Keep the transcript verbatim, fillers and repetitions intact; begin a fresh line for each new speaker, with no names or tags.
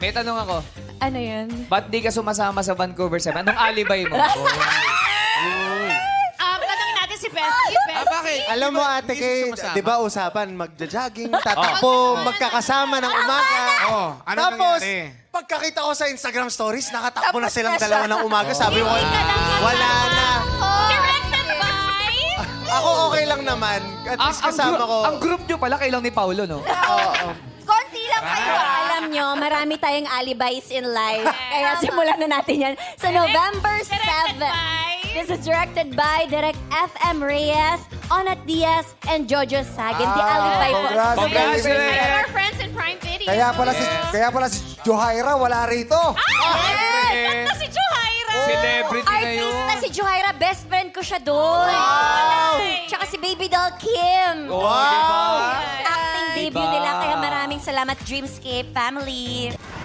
May tanong ako.
Ano yun?
Ba't di ka sumasama sa Vancouver Seven? Anong alibay mo?
Um, tanongin natin si Bestie. Bestie.
Ah, bakit?
Alam mo, Ate Kay, di ba usapan, magja-jogging, tatakbo, magkakasama ng umaga.
Oh, ano
Tapos,
nangyari?
pagkakita ko sa Instagram stories, nakatakbo na
Tapos
silang
na siya.
dalawa ng umaga. Sabi ko,
Hindi ka lang
wala na.
Directed by...
Ako okay lang naman. At
ang,
least
ang,
kasama
group,
ko.
ang group nyo pala kailang ni Paulo, no?
Oo.
Konti lang kayo. ah.
Alam nyo, marami tayong alibis in life. Kaya simulan na natin yan. Sa November seventh. This is directed by Direct F M Reyes, Onat Diaz, and Jojo Sagin. The
Ah,
alibay po.
congrats.
Congratulations.
And our friends in Prime Video.
Kaya pala si kaya pala si Johaira wala rito.
Yes! At na si Juhaira!
Celebrity na yun.
Artista si Johaira, best friend ko siya doon. Tsaka si Baby Doll Kim.
Wow!
Acting debut
Diba?
nila, kaya maraming salamat Dreamscape family.